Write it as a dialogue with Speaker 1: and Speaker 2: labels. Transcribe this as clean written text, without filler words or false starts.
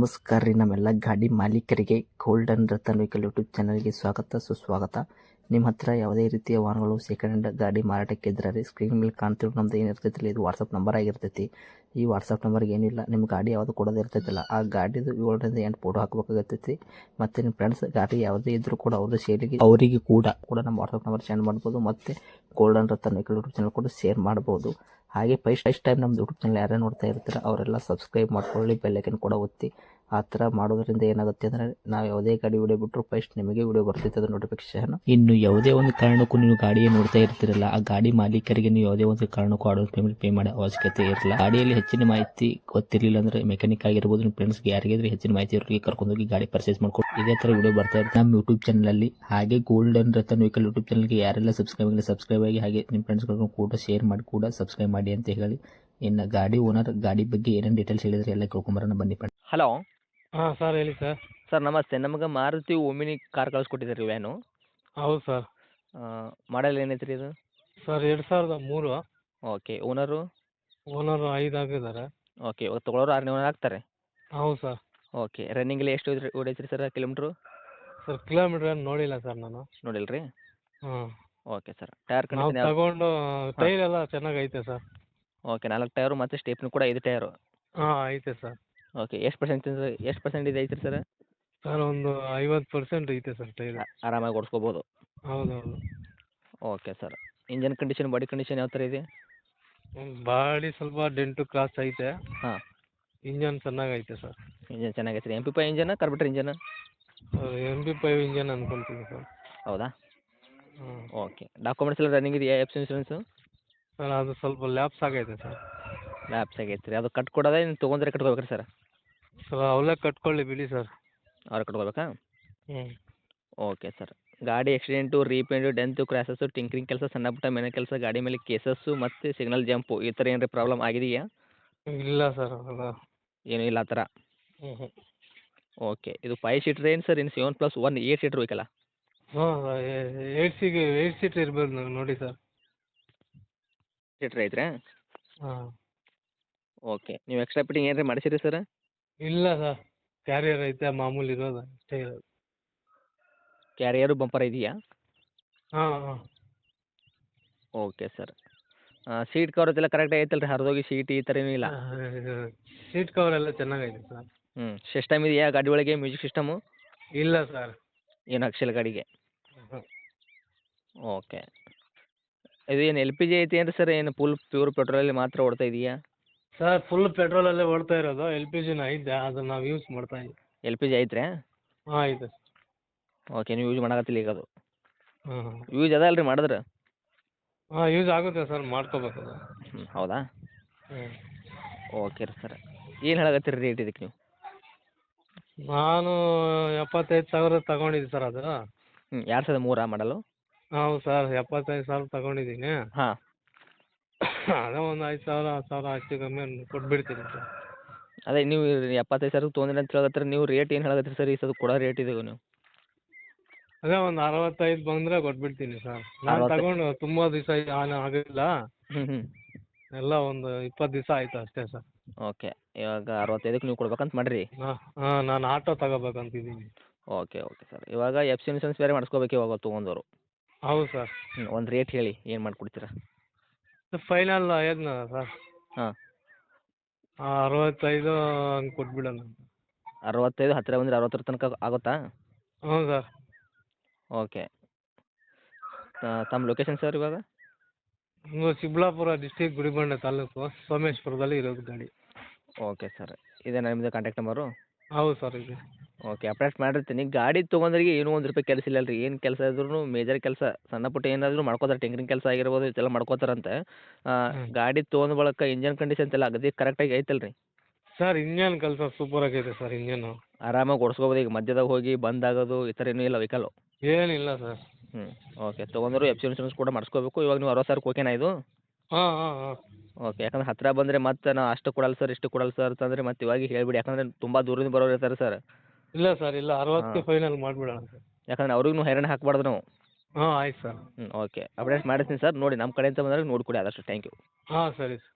Speaker 1: ನಮಸ್ಕಾರ ರೀ ನಮ್ಮೆಲ್ಲ ಗಾಡಿ ಮಾಲೀಕರಿಗೆ ಗೋಲ್ಡನ್ ರತನ್ ವೆಹಿಕಲ್ ಯೂಟ್ಯೂಬ್ ಚಾನಲ್ಗೆ ಸ್ವಾಗತ ಸುಸ್ವಾಗತ. ನಿಮ್ಮ ಹತ್ರ ಯಾವುದೇ ರೀತಿಯ ವಾಹನಗಳು ಸೆಕೆಂಡ್ ಹ್ಯಾಂಡ್ ಗಾಡಿ ಮಾರಾಟಕ್ಕೆ ಇದ್ರೆ ರೀ ಸ್ಕ್ರೀನ್ ಮೇಲೆ ಕಾಣ್ತಿರೋ ನಮ್ದು ಏನಿರ್ತೈತಿಲ್ಲ ಇದು ವಾಟ್ಸಪ್ ನಂಬರ್ ಆಗಿರ್ತೈತಿ. ಈ ವಾಟ್ಸಪ್ ನಂಬರ್ಗೆ ಏನಿಲ್ಲ ನಿಮ್ಮ ಗಾಡಿ ಯಾವುದು ಕೊಡೋದು ಇರ್ತೈತಿಲ್ಲ ಆ ಗಾಡಿದು 7ರಿಂದ 8 ಫೋಟೋ ಹಾಕಬೇಕಾಗತ್ತೈತಿ. ಮತ್ತು ನಿಮ್ಮ ಫ್ರೆಂಡ್ಸ್ ಗಾಡಿ ಯಾವುದೇ ಇದ್ರೂ ಕೂಡ ಅವ್ರದ್ದು ಶೇರಿಗೆ ಅವರಿಗೆ ಕೂಡ ನಮ್ಮ ವಾಟ್ಸಪ್ ನಂಬರ್ ಸೆಂಡ್ ಮಾಡ್ಬೋದು. ಮತ್ತು golden Ratan vehicle YouTube channel ಕೂಡ ಶೇರ್ ಮಾಡ್ಬೋದು. ಹಾಗೆ ಫಸ್ಟ್ ಟೈಮ್ ನಮ್ಮ ಯೂಟ್ಯೂಬ್ ಚಾನಲ್ ಯಾರೇ ನೋಡ್ತಾ ಇರ್ತಾರೆ ಅವರೆಲ್ಲ ಸಬ್ಸ್ಕ್ರೈಬ್ ಮಾಡ್ಕೊಳ್ಳಿ, ಬೆಲ್ ಐಕನ್ ಕೂಡ ಒತ್ತಿ. ಆ ಥರ ಮಾಡೋದ್ರಿಂದ ಏನಾಗುತ್ತೆ ಅಂದರೆ ನಾವು ಯಾವುದೇ ಗಾಡಿ ವಿಡಿಯೋ ಬಿಟ್ಟರು ಫಸ್ಟ್ ನಿಮಗೆ ವಿಡಿಯೋ ಬರ್ತೈತೆ ಅದು ನೋಟಿಫಿಕೇಶನ್. ಇನ್ನು ಯಾವುದೇ ಒಂದು ಕಾರಣಕ್ಕೂ ನೀವು ಗಾಡಿயை ನೋಡ್ತಾ ಇರ್ತಿರಲ್ಲ ಆ ಗಾಡಿ ಮಾಲೀಕರಿಗೆ ನೀವು ಯಾವುದೇ ಒಂದು ಕಾರಣಕ್ಕೂ ಅಡ್ವಾನ್ಸ್ ಪೇಮೆಂಟ್ ಪೇ ಮಾಡೋ ಅವಶ್ಯಕತೆ ಇರಲ್ಲ. ಗಾಡಿಯಲ್ಲಿ ಹೆಚ್ಚಿನ ಮಾಹಿತಿ ಗೊತ್ತಿರಲಿಲ್ಲ ಅಂದರೆ ಮೆಕ್ಯಾನಿಕ್ ಆಗಿರ್ಬೋದು, ನಿಮ್ಮ ಫ್ರೆಂಡ್ಸ್ಗೆ ಯಾರಿಗಾದ್ರೆ ಹೆಚ್ಚಿನ ಮಾಹಿತಿ ಇರೋರಿಗೆ ಕರ್ಕೊಂಡೋಗಿ ಗಾಡಿ ಪರ್ಚೇಸ್ ಮಾಡ್ಕೊಂಡು ಇದೇ ಥರ ವಿಡಿಯೋ ಬರ್ತಾ ಇರುತ್ತೆ ನಮ್ಮ ಯೂಟ್ಯೂಬ್ ಚಾನಲಲ್ಲಿ. ಹಾಗೆ ಗೋಲ್ಡನ್ ರತನ್ ವೆಹಿಕಲ್ ಯೂಟ್ಯೂಬ್ ಚಾನಲ್ಗೆ ಯಾರೆಲ್ಲ ಸಬ್ಸ್ಕ್ರೈಬ್ ಆಗಿ ಹಾಗೆ ನಿಮ್ಮ ಫ್ರೆಂಡ್ಸ್ಗಳನ್ನು ಕೂಡ ಶೇರ್ ಮಾಡಿ ಕೂಡ ಸಬ್ಸ್ಕ್ರೈಬ್ ಮಾಡಿ ಅಂತ ಹೇಳಿ. ಇನ್ನು ಗಾಡಿ ಓನರ್ ಗಾಡಿ ಬಗ್ಗೆ ಏನೇನು ಡೀಟೇಲ್ಸ್ ಹೇಳಿದ್ರೆ ಎಲ್ಲ ಕೇಳ್ಕೊಂಬರೋಣ ಬನ್ನಿ. ಹಲೋ
Speaker 2: ಹಾಂ ಸರ್, ಹೇಳಿ ಸರ್.
Speaker 1: ಸರ್ ನಮಸ್ತೆ. ನಮಗೆ ಮಾರುತಿ ಓಮಿನಿ ಕಾರ್ ಕಳಿಸ್ಕೊಟ್ಟಿದ್ದೀರಿ ವ್ಯಾನು.
Speaker 2: ಹೌದು ಸರ್.
Speaker 1: ಮಾಡಲ್ ಏನೈತೆ ರೀ ಇದು?
Speaker 2: ಸರ್ 2003.
Speaker 1: ಓಕೆ. ಓನರು?
Speaker 2: ಓನರು 5 ಆಗಿದ್ದಾರೆ.
Speaker 1: ಓಕೆ. ಇವಾಗ ತೊಗೊಳೋರು 6ನೇ ಓನರ್ ಆಗ್ತಾರೆ?
Speaker 2: ಹೌದು ಸರ್.
Speaker 1: ಓಕೆ. ರನ್ನಿಂಗಲ್ಲಿ ಎಷ್ಟು ಓಡೈತ್ರಿ ಸರ್ ಕಿಲೋಮೀಟ್ರು?
Speaker 2: ಸರ್ ಕಿಲೋಮೀಟ್ರ್ ಏನು ನೋಡಿಲ್ಲ ಸರ್ ನಾನು.
Speaker 1: ನೋಡಿಲ್ಲ ರೀ?
Speaker 2: ಹಾಂ.
Speaker 1: Okay sir. ಟೈರ್
Speaker 2: ನಾವು
Speaker 1: ಕಂಡೀಷನ್
Speaker 2: ತಗೊಂಡು ಟೈರ್ ಎಲ್ಲ ಚೆನ್ನಾಗೈತೆ ಸರ್.
Speaker 1: ಓಕೆ. 4 ಟೈರು ಮತ್ತು ಸ್ಟೇಪ್ನು ಕೂಡ 5 ಟೈರು?
Speaker 2: ಹಾಂ, ಐತೆ ಸರ್.
Speaker 1: ಓಕೆ. ಎಷ್ಟು ಪರ್ಸೆಂಟ್ ಐತ್ರಿ ಸರ್?
Speaker 2: ಸರ್ ಒಂದು 50% ಐತೆ ಸರ್ ಟೈರ್.
Speaker 1: ಆರಾಮಾಗಿ ಓಡಿಸ್ಕೋಬೋದು?
Speaker 2: ಹೌದೌದು.
Speaker 1: Okay sir. Engine condition, body condition ಯಾವ ಥರ ಇದೆ?
Speaker 2: ಬಾಡಿ ಸ್ವಲ್ಪ ಡೆಂಟು ಕ್ರಾಸ್ ಐತೆ.
Speaker 1: ಹಾಂ.
Speaker 2: ಇಂಜನ್ ಚೆನ್ನಾಗೈತೆ ಸರ್.
Speaker 1: ಇಂಜನ್ ಚೆನ್ನಾಗೈತೆ ರೀ? MP5 engine, carburettor engine?
Speaker 2: MP5 engine ಅನ್ಕೊಂತೀನಿ ಸರ್.
Speaker 1: ಹೌದಾ?
Speaker 2: ಹ್ಞೂ.
Speaker 1: ಓಕೆ. ಡಾಕ್ಯುಮೆಂಟ್ಸ್ ಎಲ್ಲ ರನ್ನಿಂಗ್ ಇದೆಯಾ? F insurance?
Speaker 2: ಸರ್ ಅದು ಸ್ವಲ್ಪ ಲ್ಯಾಪ್ಸ್ ಆಗೈತೆ ಸರ್.
Speaker 1: ಲ್ಯಾಪ್ಸ್ ಆಗೈತೆ ರೀ? ಅದು ಕಟ್ಕೊಡೋದೇ ನೀವು ತೊಗೊಂಡ್ರೆ ಕಟ್ಕೋಬೇಕ್ರಿ ಸರ್?
Speaker 2: ಸರ್ ಅವಲೇ ಕಟ್ಕೊಳ್ಳಿ ಬಿಡಿ ಸರ್.
Speaker 1: ಅವ್ರು ಕಟ್ಕೋಬೇಕಾ?
Speaker 2: ಹ್ಞೂ.
Speaker 1: Okay sir. ಗಾಡಿ accident, repaint, dent, crashes, tinkering ಕೆಲಸ, ಸಣ್ಣ ಪುಟ್ಟ ಮನೆ ಕೆಲಸ, ಗಾಡಿ ಮೇಲೆ ಕೇಸಸ್ಸು ಮತ್ತು ಸಿಗ್ನಲ್ ಜಂಪು ಈ ಥರ ಏನಾರ ಪ್ರಾಬ್ಲಮ್ ಆಗಿದೆಯಾ?
Speaker 2: ಇಲ್ಲ ಸರ್ ಅವೆಲ್ಲ
Speaker 1: ಏನೂ ಇಲ್ಲ ಆ ಥರ?
Speaker 2: ಹ್ಞೂ.
Speaker 1: ಓಕೆ. ಇದು 5 ಸೀಟ್ರ್ ಏನು ಸರ್? ಇನ್ನು 7+1 8 ಸೀಟ್ರ್ ಬೇಕಲ್ಲ?
Speaker 2: ಹಾಂ, 8 ಸೀಟ್ ಇರ್ಬೋದು ನೋಡಿ ಸರ್.
Speaker 1: ಸೀಟ್ರ್ ಐತ್ರಾ?
Speaker 2: ಹಾಂ.
Speaker 1: ಓಕೆ. ನೀವು ಎಕ್ಸ್ಟ್ರಾ ಫಿಟ್ಟಿಂಗ್ ಏನಾರ ಮಾಡಿಸಿರಿ ಸರ್?
Speaker 2: ಇಲ್ಲ ಸರ್, ಕ್ಯಾರಿಯರ್ ಐತೆ ಮಾಮೂಲಿ ಇರೋದು ಅಷ್ಟೇ ಇರೋದು.
Speaker 1: ಕ್ಯಾರಿಯರು ಬಂಪರ್ ಇದೆಯಾ?
Speaker 2: ಹಾಂ ಹಾಂ.
Speaker 1: Okay sir. ಸೀಟ್ ಕವರ್ಸ್ ಎಲ್ಲ ಕರೆಕ್ಟಾಗಿ ಐತಲ್ಲ ರೀ? ಹರಿದೋಗಿ ಸೀಟ್ ಈ ಥರ ಏನೂ ಇಲ್ಲ?
Speaker 2: ಸೀಟ್ ಕವರ್ ಎಲ್ಲ ಚೆನ್ನಾಗೈತೆ ಸರ್.
Speaker 1: ಸಿಸ್ಟಮ್ ಇದೆಯಾ ಗಾಡಿ ಒಳಗೆ? Music system?
Speaker 2: ಇಲ್ಲ ಸರ್.
Speaker 1: ಏನು ಹಾಕ್ಸಿಲ್ಲ ಗಾಡಿಗೆ?
Speaker 2: ಹ್ಞೂ.
Speaker 1: ಓಕೆ. ಇದು ಏನು LPG ಐತಿ ಏನು ಸರ್? ಏನು ಫುಲ್ ಪ್ಯೂರ್ ಪೆಟ್ರೋಲಲ್ಲಿ ಮಾತ್ರ ಓಡ್ತಾ ಇದೆಯಾ?
Speaker 2: ಸರ್ ಫುಲ್ ಪೆಟ್ರೋಲಲ್ಲೇ ಓಡ್ತಾ ಇರೋದು. LPGನೂ ಐತೆ, ಅದನ್ನು ನಾವು ಯೂಸ್ ಮಾಡ್ತಾ ಇದ್ದೀವಿ.
Speaker 1: LPG ಐತ್ರಾ?
Speaker 2: ಹಾಂ, ಐತೆ.
Speaker 1: ಓಕೆ. ನೀವು ಯೂಸ್ ಮಾಡಕತ್ತಿಲ್ಲ ಈಗ ಅದು?
Speaker 2: ಹಾಂ ಹಾಂ.
Speaker 1: ಯೂಸ್ ಅದ ಅಲ್ರಿ ಮಾಡಿದ್ರೆ?
Speaker 2: ಹಾಂ, ಯೂಸ್ ಆಗುತ್ತೆ ಸರ್, ಮಾಡ್ಕೋಬೇಕು ಅದು.
Speaker 1: ಹೌದಾ?
Speaker 2: ಹ್ಞೂ.
Speaker 1: ಓಕೆ ರೀ ಸರ್. ಏನು ಹೇಳಕತ್ತೀರಿ ರೇಟ್ ಇದಕ್ಕೆ ನೀವು?
Speaker 2: ನಾನು 75,000 ತಗೊಂಡಿದ್ದೆ ಸರ್ ಅದು.
Speaker 1: 2003 ಮಾಡಲು?
Speaker 2: ಹೌದು ಸರ್, 75,000 ತಗೊಂಡಿದ್ದೀನಿ.
Speaker 1: ಹಾಂ.
Speaker 2: ಅದೇ ಒಂದು 5,000 10,000 ಹೆಚ್ಚು ಕಮ್ಮಿ ಕೊಟ್ಬಿಡ್ತೀನಿ ಸರ್.
Speaker 1: ಅದೇ ನೀವು 75,000 ತೊಗೊಂಡ್ರಿ ಅಂತ ಹೇಳಕತ್ತೀರಿ, ನೀವು ರೇಟ್ ಏನು ಹೇಳಕತ್ತೀರಿ ಸರ್? ಈ ಸಲ ಕೊಡೋ ರೇಟ್ ಇದೆ ನೀವು?
Speaker 2: ಅದೇ ಒಂದು 65 ಬಂದರೆ ಕೊಟ್ಬಿಡ್ತೀನಿ ಸರ್. ನಾನು ತಗೊಂಡು ತುಂಬ ದಿವಸ ಆಗಿಲ್ಲ.
Speaker 1: ಹ್ಞೂ.
Speaker 2: ಎಲ್ಲ ಒಂದು 20 ದಿವಸ ಆಯಿತು ಅಷ್ಟೇ ಸರ್.
Speaker 1: ಓಕೆ. ಇವಾಗ 65ಕ್ಕೆ ನೀವು ಕೊಡ್ಬೇಕಂತ ಮಾಡಿರಿ?
Speaker 2: ಹಾಂ ಹಾಂ, ನಾನು ಆಟೋ ತಗೋಬೇಕಂತಿದ್ದೀನಿ.
Speaker 1: Okay sir. ಇವಾಗ FC ಇನ್ಸೂರೆನ್ಸ್ ಬೇರೆ ಮಾಡಿಸ್ಕೋಬೇಕು ಇವಾಗ ತೊಗೊಂಡವರು?
Speaker 2: ಹೌದು ಸರ್.
Speaker 1: ಒಂದು ರೇಟ್ ಹೇಳಿ, ಏನು ಮಾಡಿಕೊಡ್ತೀರಾ?
Speaker 2: ಫೈನಲ್ ಹೇಳಿದ್ನಲ್ಲ ಸರ್.
Speaker 1: ಹಾಂ.
Speaker 2: 65 ಹಂಗೆ ಕೊಟ್ಬಿಡೋಣ.
Speaker 1: 65 ಹತ್ತಿರ ಬಂದರೆ 60 ತನಕ ಆಗುತ್ತಾ?
Speaker 2: ಹ್ಞೂ ಸರ್.
Speaker 1: ಓಕೆ. ತಮ್ಮ ಲೊಕೇಶನ್ ಸರ್ ಇವಾಗ?
Speaker 2: ಚಿಕ್ಕಬಳ್ಳಾಪುರ ಡಿಸ್ಟಿಕ್, ಗುಡಿಬಂಡೆ ತಾಲೂಕು, ಸೋಮೇಶ್ವರದಲ್ಲಿ ಇರೋದು ಗಾಡಿ.
Speaker 1: Okay sir. ಇದೇನಾ ನಿಮ್ಮದು ಕಾಂಟ್ಯಾಕ್ಟ್ ನಂಬರು?
Speaker 2: ಹೌದು ಸರ್, ಇದೆ.
Speaker 1: ಓಕೆ. ಅಪ್ಡೇಟ್ ಮಾಡಿರ್ತೀನಿ. ಗಾಡಿ ತೊಗೊಂಡ್ರಿಗೆ ಏನೂ ₹1 ಕೆಲಸ ಇಲ್ಲ ರೀ. ಏನು ಕೆಲಸ ಇದ್ರೂ ಮೇಜರ್ ಕೆಲಸ ಸಣ್ಣ ಪುಟ್ಟ ಏನಾದರೂ ಮಾಡ್ಕೋತಾರೆ. ಟಿಂಕರಿಂಗ್ ಕೆಲಸ ಆಗಿರ್ಬೋದು ಇದೆಲ್ಲ ಮಾಡ್ಕೋತಾರಂತೆ. ಗಾಡಿ ತೊಗೊಂಡ ಬಳಿಕ ಇಂಜನ್ ಕಂಡೀಷನ್ಸ್ ಎಲ್ಲ ಅಗದಿ ಕರೆಕ್ಟಾಗಿ ಐತಲ್ಲ ರೀ?
Speaker 2: ಸರ್ ಇಂಜನ್ ಕೆಲಸ ಸೂಪರ್ ಆಗೈತೆ ಸರ್. ಇಂಜನು
Speaker 1: ಆರಾಮಾಗಿ ಓಡಿಸ್ಕೋಬೋದು? ಈಗ ಮಧ್ಯದಾಗ ಹೋಗಿ ಬಂದಾಗೋದು ಈ ಥರ ಏನೂ ಇಲ್ಲ ವೆಹಿಕಲ್ಲು?
Speaker 2: ಏನಿಲ್ಲ ಸರ್.
Speaker 1: ಓಕೆ. ತೊಗೊಂಡ್ರು FC ಇನ್ಸೂರೆನ್ಸ್ ಕೂಡ ಮಾಡಿಸ್ಕೋಬೇಕು. ಇವಾಗ ನೀವು 60,000 ಓಕೆನಾ ಇದು?
Speaker 2: ಹಾಂ ಹಾಂ ಹಾಂ.
Speaker 1: ಓಕೆ. ಯಾಕಂದ್ರೆ ಹತ್ತಿರ ಬಂದರೆ ಮತ್ತೆ ನಾ ಅಷ್ಟು ಕೊಡಲ್ಲ ಸರ್, ಇಷ್ಟು ಕೊಡಲ್ಲ ಸರ್ ಅಂತಂದರೆ ಮತ್ತೆ ಇವಾಗ ಹೇಳಿಬಿಡಿ. ಯಾಕಂದರೆ ತುಂಬ ದೂರದಿಂದ ಬರೋರು ಇರ್ತಾರೆ ಸರ್.
Speaker 2: ಇಲ್ಲ ಸರ್, ಇಲ್ಲ 60ಕ್ಕೆ ಫೈನಲ್ ಮಾಡಿಬಿಡೋಣ ಸರ್.
Speaker 1: ಯಾಕಂದ್ರೆ ಅವ್ರಿಗೂ ಹೈರಾಣ ಹಾಕಬಾರ್ದು ನಾವು.
Speaker 2: ಹಾಂ, ಆಯ್ತು ಸರ್.
Speaker 1: ಓಕೆ. ಅಪ್ಡೇಟ್ ಮಾಡಿರ್ತೀನಿ ಸರ್. ನೋಡಿ ನಮ್ಮ ಕಡೆಯಿಂದ ಬಂದಾಗ ನೋಡಿಕೊಡಿ ಆದಷ್ಟು. Thank you.
Speaker 2: ಹಾಂ, ಸರಿ ಸರ್.